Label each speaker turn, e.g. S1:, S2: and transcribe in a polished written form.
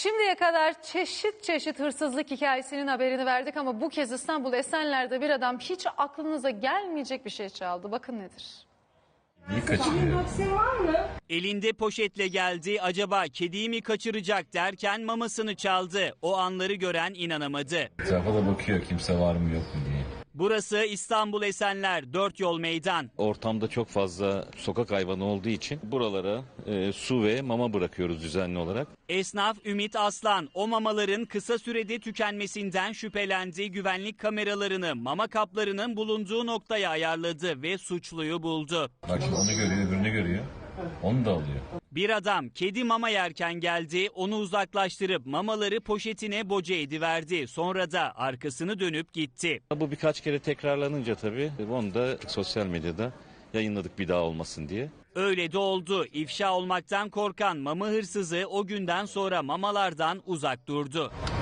S1: Şimdiye kadar çeşit çeşit hırsızlık hikayesinin haberini verdik ama bu kez İstanbul Esenler'de bir adam hiç aklınıza gelmeyecek bir şey çaldı. Bakın nedir?
S2: İyi kaçırıyor.
S3: Elinde poşetle geldi, acaba kediyi mi kaçıracak derken mamasını çaldı. O anları gören inanamadı.
S2: Etrafa da bakıyor kimse var mı yok mu diye.
S3: Burası İstanbul Esenler, 4 yol meydan.
S4: Ortamda çok fazla sokak hayvanı olduğu için buralara su ve mama bırakıyoruz düzenli olarak.
S3: Esnaf Ümit Aslan o mamaların kısa sürede tükenmesinden şüphelendi. Güvenlik kameralarını mama kaplarının bulunduğu noktaya ayarladı ve suçluyu buldu.
S2: Bak şimdi onu görüyor, öbürünü görüyor. Onu da alıyor.
S3: Bir adam kedi mama yerken geldi, onu uzaklaştırıp mamaları poşetine boca ediverdi. Sonra da arkasını dönüp gitti.
S4: Bu birkaç kere tekrarlanınca tabii onu da sosyal medyada yayınladık bir daha olmasın diye.
S3: Öyle de oldu. İfşa olmaktan korkan mama hırsızı o günden sonra mamalardan uzak durdu.